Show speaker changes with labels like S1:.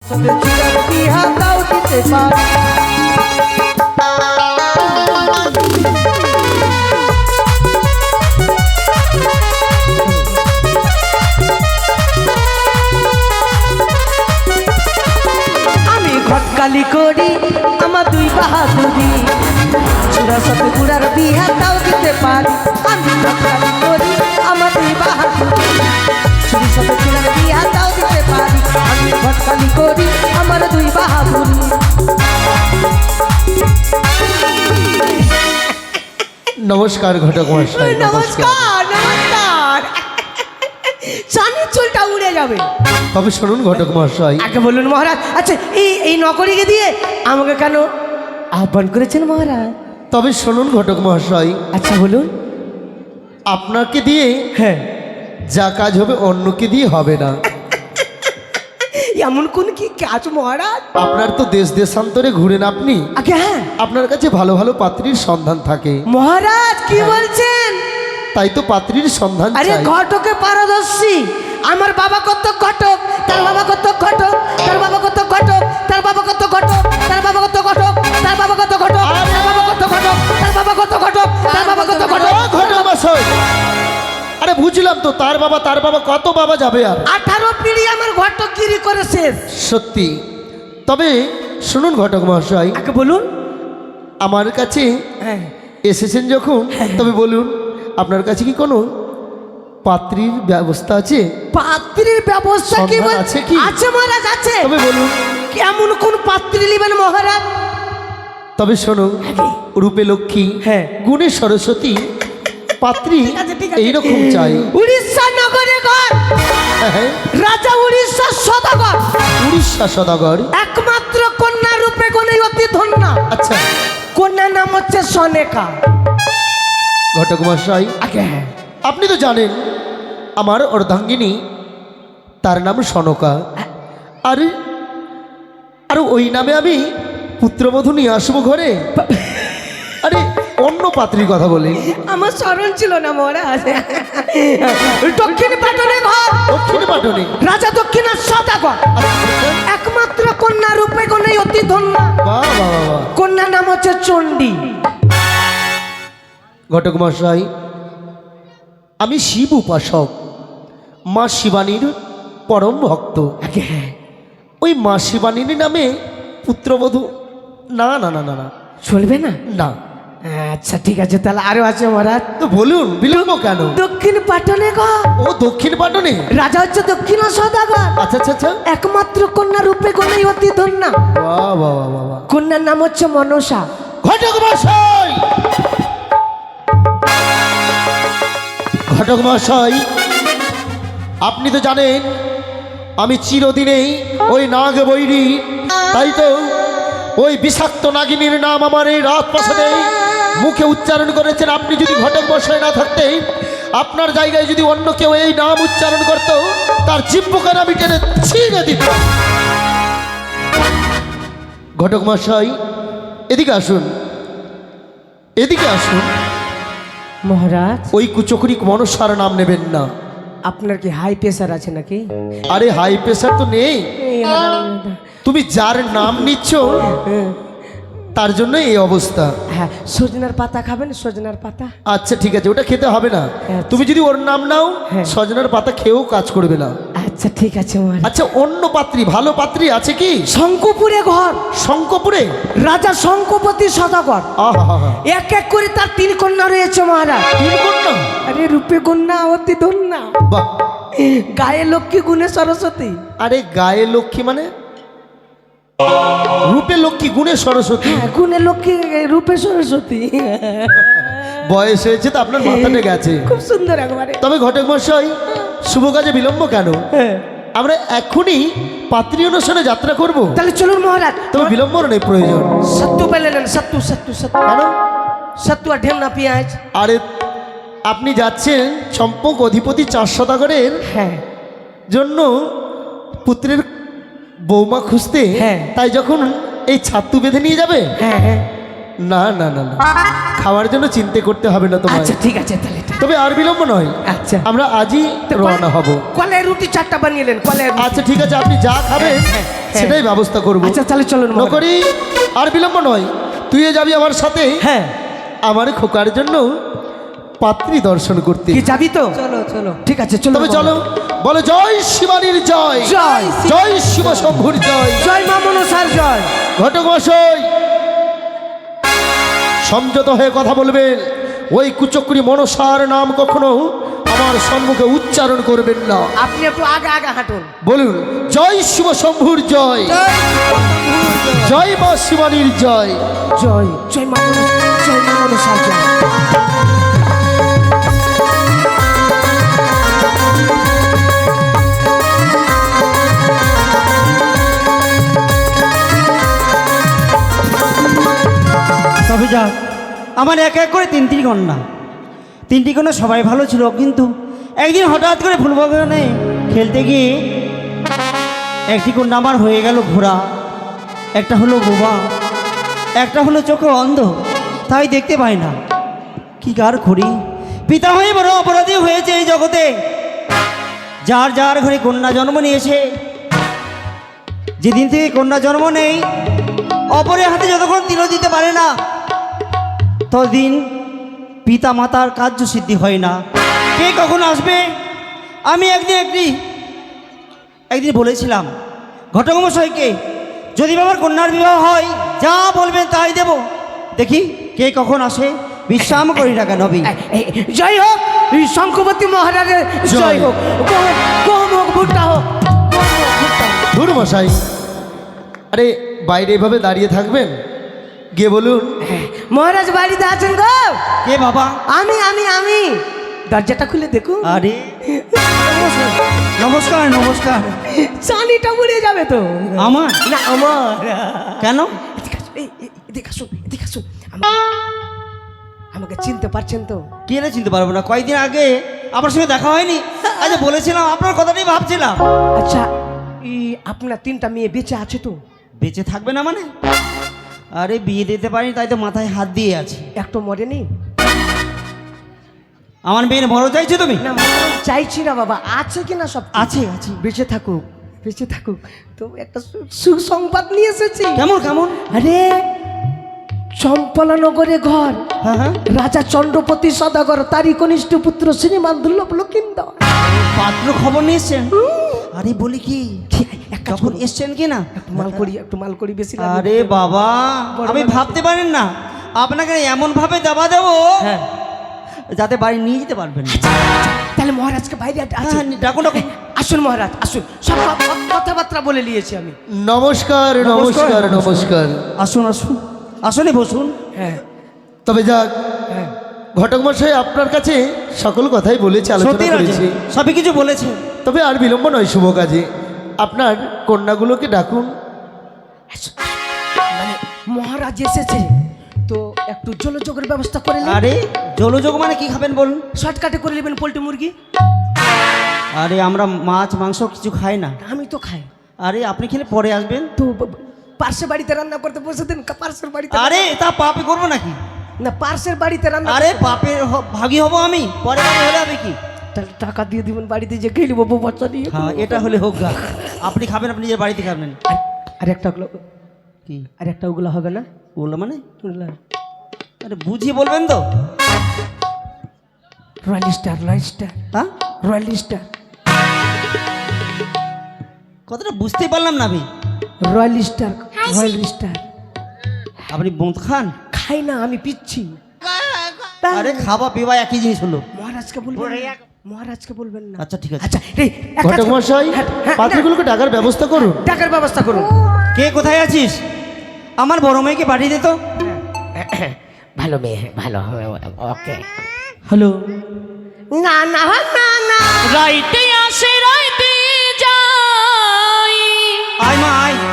S1: তোদের চূড়ার বিহা তাও দিতে পারি। আমি ঘটকালি করি আমার দুই বাহাদুরি, চূড়া সাথে গুড়ার বিহা তাও দিতে পারি। আমি ঘটকালি করি আমার দুই বাহাদুরি, চুরি সাথে চূড়ার বিহা তাও দিতে পারি। আমি ঘটকালি করি আমার দুই বাহাদুরি।
S2: নমস্কার ঘটক মশাই।
S1: নমস্কার নমস্কার। চাঁদের চুলটা উড়ে যাবে।
S2: তবে শুনুন ঘটক মশাই,
S1: আগে বলুন মহারাজ। আচ্ছা এই নকরিকে দিয়ে আমাকে কেন আহ্বান করেছেন মহারাজ?
S2: তবে শুনুন ঘটক মশাই,
S1: আচ্ছা বলুন।
S2: আপনাকে দিয়ে
S1: হ্যাঁ,
S2: যা কাজ হবে অন্যকে দিয়ে হবে না।
S1: এমন কোন কি কাজ মহারাজ?
S2: আপনার তো দেশ দেশান্তরে ঘুরেন আপনি,
S1: আগে হ্যাঁ
S2: আপনার কাছে ভালো ভালো পাত্রীর সন্ধান থাকে,
S1: মহারাজ কি বলছেন?
S2: তাই তো পাত্রীর সন্ধান
S1: আরে
S2: চাই।
S1: ঘটকে পারদর্শী। আমার বাবা কত ঘটক, তার বাবা কত ঘটক, তার বাবা কত ঘটক, তার বাবা কত ঘটক, তার বাবা কত ঘটক, তার বাবা কত ঘটক, তার বাবা কত ঘটক, তার বাবা কত ঘটক, তার বাবা কত ঘটক।
S2: ও ঘটক মশাই, আরে বুঝলাম তো, তার বাবা কত বাবা যাবে আর?
S1: 18 পিঁড়ি আমার ঘটকগিরি করে শেষ।
S2: সত্যি। তবে শুনুন ঘটক মশাই,
S1: আগে বলুন।
S2: আমার কাছে
S1: হ্যাঁ,
S2: এসেছেন যখন, তবে বলুন আপনার কাছে কি কোনো পাত্রীর ব্যবস্থা আছে?
S1: পাত্রীর ব্যবস্থা কি
S2: সন্ধান
S1: বল-
S2: আছে কি?
S1: আছে মহারাজ আছে।
S2: তবে বলুন।
S1: কেমন কোন পাত্রী নেবেন মহারাজ?
S2: তবে শোনো, রূপে লক্ষ্মী,
S1: হ্যাঁ।
S2: গুণে সরস্বতী পাত্রী
S1: ঠিক আছে, ঠিক আছে।
S2: এইরকম চাই।
S1: উড়িষ্যা নগরে ঘর,
S2: হ্যাঁ,
S1: রাজা উড়িষ্যার সদাগর,
S2: উড়িষ্যা সদাগর।
S1: একমাত্র কন্যা রূপে গুণে অতি ধন্য।
S2: আচ্ছা
S1: কন্যার নাম হচ্ছে সনেকা।
S2: ঘটক মশাই,
S1: আগে হ্যাঁ,
S2: আপনি তো জানেন আমার অর্ধাঙ্গিনী, তার নাম সনকা। আর আর ওই নামে আমি পুত্রবধূ নিয়ে আসবো ঘরে। আরে অন্য পাত্রীর কথা বলি।
S1: আমার স্মরণ ছিল না মহারাজ। দক্ষিণ পাটনে ঘর,
S2: দক্ষিণ পাটনে।
S1: রাজা দক্ষিণের সদাগর, একমাত্র কন্যা রূপে গুণে অতি ধন্য।
S2: বাহ বাহ বাহ।
S1: কন্যার নাম হচ্ছে চণ্ডী।
S2: ঘটক মশাই, আমি শিব উপাসক, মা শিবানীর পরম ভক্ত।
S1: আগে হ্যাঁ,
S2: ওই মা শিবানীর নামে পুত্রবধূ না না না না না
S1: চলবে না?
S2: না।
S1: আচ্ছা ঠিক আছে, তাহলে আরো আছে মহারাজ।
S2: তো বলুন, বিলম্ব কেন?
S1: দক্ষিণ পাটনে ঘর,
S2: ও দক্ষিণ পাটনে।
S1: রাজা হচ্ছে দক্ষিণ সদাগর,
S2: আচ্ছা আচ্ছা আচ্ছা।
S1: একমাত্র কন্যা রূপে গুণে অতি ধন্য।
S2: বাহ বাহ বাহ বাহ বাহ।
S1: কন্যার নাম হচ্ছে মনসা।
S2: ঘটক মশাই, ঘটক মশাই, আপনি তো জানেন আমি চিরদিনেই ওই নাগ বৈরী, তাই তো ওই বিষাক্ত নাগিনীর নাম আমার এই রাজপ্রাসাদে মুখে উচ্চারণ করেছেন। আপনি যদি ঘটক মশাই না থাকতেন, আপনার জায়গায় যদি অন্য কেউ এই নাম উচ্চারণ করত, তার জিহ্বাকে আমি টেনে ছিঁড়ে দিতাম। ঘটক মশাই, এদিকে আসুন, এদিকে আসুন।
S1: মহারাজ,
S2: ওই কুচকরি মনসার নাম নেবেন না।
S1: আপনার কি হাই প্রেসার আছে নাকি?
S2: আরে হাই প্রেশার তো নেই, তুমি যার নাম নিচ্ছ তার জন্য এই অবস্থা।
S1: হ্যাঁ, সজনার পাতা খাবেন? সজনার পাতা?
S2: আচ্ছা ঠিক আছে, ওটা খেতে হবে না।
S1: আচ্ছা।
S2: তুমি যদি ওর নাম নাও,
S1: হ্যাঁ।
S2: সজনার পাতা খেয়েও কাজ করবে না।
S1: আচ্ছা ঠিক আছে মহারাজ।
S2: আচ্ছা অন্য পাত্রী, ভালো পাত্রী আছে কি?
S1: শঙ্কপুরে ঘর,
S2: শঙ্কপুরে।
S1: রাজা শঙ্কপতি সদাগর,
S2: আহা,
S1: এক এক করে তার 3 কন্যা রয়েছে মহারাজ।
S2: তিন কন্যা।
S1: আরে রূপে কন্যা অতি ধন্যা,
S2: বাহ।
S1: গায়ে লক্ষ্মী গুণে সরস্বতী।
S2: আরে গায়ে লক্ষ্মী মানে? রূপে লক্ষ্মী, গুণে সরস্বতী।
S1: হ্যাঁ, গুণে লক্ষ্মী, রূপে সরস্বতী।
S2: বয়স হয়েছে তো আপনার মাথাটা গেছে।
S1: খুব সুন্দর একবারে।
S2: তবে ঘটক মশাই, শুভ কাজে বিলম্ব কেন?
S1: হ্যাঁ,
S2: আমরা এখনই পাত্রী অনুষ্ঠানে যাত্রা করব।
S1: তাহলে চলুন মহারাজ।
S2: তবে বিলম্ব নেই প্রয়োজন।
S1: সত্তু পেলে নেন, সত্তু সত্তু সত্তু।
S2: কেন?
S1: সত্তু আর ঢেল না পেঁয়াজ।
S2: আরে আপনি যাচ্ছেন চম্পক অধিপতি 4 সদাগরের
S1: হ্যাঁ,
S2: জন্য পুত্রের বৌমা খুঁজতে।
S1: হ্যাঁ।
S2: তাই যখন এই ছাত্তু বেঁধে নিয়ে যাবে,
S1: হ্যাঁ হ্যাঁ,
S2: না না না না খাওয়ার জন্য চিন্তা করতে হবে না তোমায়।
S1: আচ্ছা ঠিক আছে তাহলে
S2: তবে আর বিলম্ব নয়,
S1: আচ্ছা
S2: আমরা আজই রওনা হব।
S1: কলের রুটি 4টা বানিয়ে নেন কলের রুটি।
S2: আচ্ছা ঠিক আছে, আপনি যা খাবেন
S1: হ্যাঁ।
S2: সেটাই ব্যবস্থা করব।
S1: আচ্ছা তাহলে চলুন মহারাজ।
S2: নকরি আর বিলম্ব নয়, তুইও যাবি আমার সাথে
S1: হ্যাঁ
S2: আমার খোকার জন্য পাত্রী দর্শন করতে।
S1: কি যাবি তো? চলো চলো ঠিক আছে চলো।
S2: তবে চলো, বলো জয় শিবানীর জয়,
S1: জয়
S2: জয় শিব শম্ভুর জয়,
S1: জয় মা মনসার জয়।
S2: ঘটক মশাই সংযত হয়ে কথা বলবেন। ওই কুচক্রি মনসার নাম কখনো আমার সম্মুখে উচ্চারণ করবেন না।
S1: আপনি একটু আগে আগে হাঁটুন।
S2: বলুন জয় শিব শম্ভুর জয়, জয় মা শিবানীর জয়।
S1: জয় জয় মা জয় মা মনসার জয়।
S3: তবে যাক, আমার এক এক করে তিনটি কন্যা, তিনটি কন্যা সবাই ভালো ছিল, কিন্তু একদিন হঠাৎ করে ফুলবাগানে খেলতে গিয়ে একটি কন্যা আমার হয়ে গেল ঘোড়া, একটা হলো বোবা, একটা হলো চোখে অন্ধ, তাই দেখতে পাই না। কি কার করি, পিতা হয়ে বড় অপরাধী হয়েছে এই জগতে। যার যার ঘরে কন্যা জন্ম নিয়েছে, যেদিন থেকে কন্যা জন্ম নেই, অপরের হাতে যতক্ষণ তিল দিতে পারে না, ততদিন পিতা মাতার কার্য সিদ্ধি হয় না। কে কখন আসবে? আমি একদিন বলেছিলাম ঘটক মশাইকে, যদি বাবার কন্যার বিবাহ হয় যা বলবেন তাই দেব। দেখি কে কখন আসে, বিশ্রাম করি না কেন।
S1: জয় হোক শঙ্খবতী মহারাজের জয় হোক, গম হোক ভুট্টা হোক।
S2: ধুর মশাই, আরে বাইরে এভাবে দাঁড়িয়ে থাকবেন, গিয়ে বলুন
S1: মহারাজ বাড়িতে আছেন গো?
S3: কে বাবা?
S1: আমি আমি আমি দরজাটা খুলে দেখুন।
S3: আরে নমস্কার নমস্কার।
S1: চানিটা উড়ে যাবে তো।
S3: আমার
S1: না আমার।
S3: কেন?
S1: এদিকে আসুন এদিকে আসুন। আমাকে চিনতে পারছেন তো?
S3: কে না চিনতে পারবো না, কয়েকদিন আগে আপনার সঙ্গে দেখা হয়নি? আচ্ছা বলেছিলাম, আপনার কথাটাই ভাবছিলাম।
S1: আচ্ছা আপনার 3টা মেয়ে বেঁচে আছে তো?
S3: বেঁচে থাকবে না মানে? আরে বিয়ে দিতে পারি তাই তো মাথায় হাত দিয়ে আছে।
S1: একটা মরেনি?
S3: আমার মেয়ের বড় চাইছো তুমি?
S1: না চাইছি না বাবা, আছে কিনা সব
S3: আছে আছে।
S1: বেঁচে থাকুক বেঁচে থাকুক। তো একটা সুসংবাদ নিয়ে এসেছি।
S3: কেমন কেমন?
S1: আরে চম্পলানগরে ঘর,
S3: হ্যাঁ হ্যাঁ।
S1: রাজা চন্দ্রপতি সদাগর, তারই কনিষ্ঠ পুত্র শ্রীমান দুর্লভ লক্ষিন্দর
S3: পাত্র খবর নিয়ে এসছেন? আরে বলি কি, কখন এসছেন কি না?
S1: একটু মাল করি বেশি লাগবে।
S3: আরে বাবা, আমি ভাবতে পারেন না আপনাকে এমন ভাবে দেওয়া দেবো
S1: হ্যাঁ
S3: যাতে বাড়ি নিয়ে যেতে পারবেন না।
S1: তাহলে মহারাজকে বাইরে
S3: হ্যাঁ, ডাকুন ডাকুন।
S1: আসুন মহারাজ আসুন, সব কথাবার্তা বলে নিয়েছি আমি।
S2: নমস্কার নমস্কার নমস্কার।
S3: আসুন আসুন, আসলে বসুন।
S1: হ্যাঁ
S2: তবে যাক,
S1: হ্যাঁ
S2: ঘটক মশাই আপনার কাছে সকল কথাই বলেছি, আলোচনা
S3: সত্যি
S2: করেছি।
S3: সবই কিছু বলেছে।
S2: তবে আর বিলম্ব নয়, শুভ কাজে আপনার কন্যাগুলোকে ডাকুন।
S1: মানে মহারাজ এসেছে তো একটু জলযোগের ব্যবস্থা করে নিন।
S3: আরে জলযোগ মানে কি খাবেন বলুন?
S1: শর্টকাটে করে নেবেন পোল্ট্রি মুরগি।
S3: আরে আমরা মাছ মাংস কিছু খাই না।
S1: আমি তো খাই।
S3: আরে আপনি খেলে পরে আসবেন
S1: তো পার্শ্বের বাড়িতে রান্না করতে বসে দেন, পার্শ্বের বাড়িতে।
S3: আরে তা পাপে করবো নাকি?
S1: না পার্শ্বের বাড়িতে রান্না।
S3: আরে পাপে ভাগী হব আমি, পরে বাড়ি হলে হবে কি?
S1: তাহলে টাকা দিয়ে দিবেন বাড়িতে যে খেয়ে নেবো বউ বাচ্চা দিয়ে।
S3: হ্যাঁ এটা হলে হোক গা। আপনি খাবেন, আপনি নিজের বাড়িতে খাবেন।
S1: আর একটা
S3: কি?
S1: আর একটা ওগুলো হবে না?
S3: ওগুলো মানে?
S1: ওগুলা
S3: আরে বুঝিয়ে বলবেন তো।
S1: রয়্যাল স্টার
S3: হ্যাঁ
S1: রয়্যাল স্টার
S3: কথাটা বুঝতেই পারলাম না আমি।
S1: Royal star.
S3: আপনি বোঁত খান?
S1: খাই না আমি, পিচ্ছি।
S3: আরে খাওয়া পিওয়া একই জিনিস হলো।
S1: মহারাজকে বলবেন না।
S3: আচ্ছা ঠিক আছে।
S1: আচ্ছা এই এক কাজ
S2: ঘটক
S1: করুন।
S2: মশাই
S1: হ্যাঁ, হ্যাঁ,
S2: পাত্রগুলোকে ডাকার ব্যবস্থা করুন।
S1: না, টাকার ব্যবস্থা করুন।
S3: কে কোথায় আছিস? আমার বড় মেয়েকে পাঠিয়ে দে তো।
S1: ভালো মেয়ে, ভালো ওকে।
S3: হ্যালো।
S1: না না না না
S4: রাইতে আসে রাইতে যাই
S3: আয় মা আয়।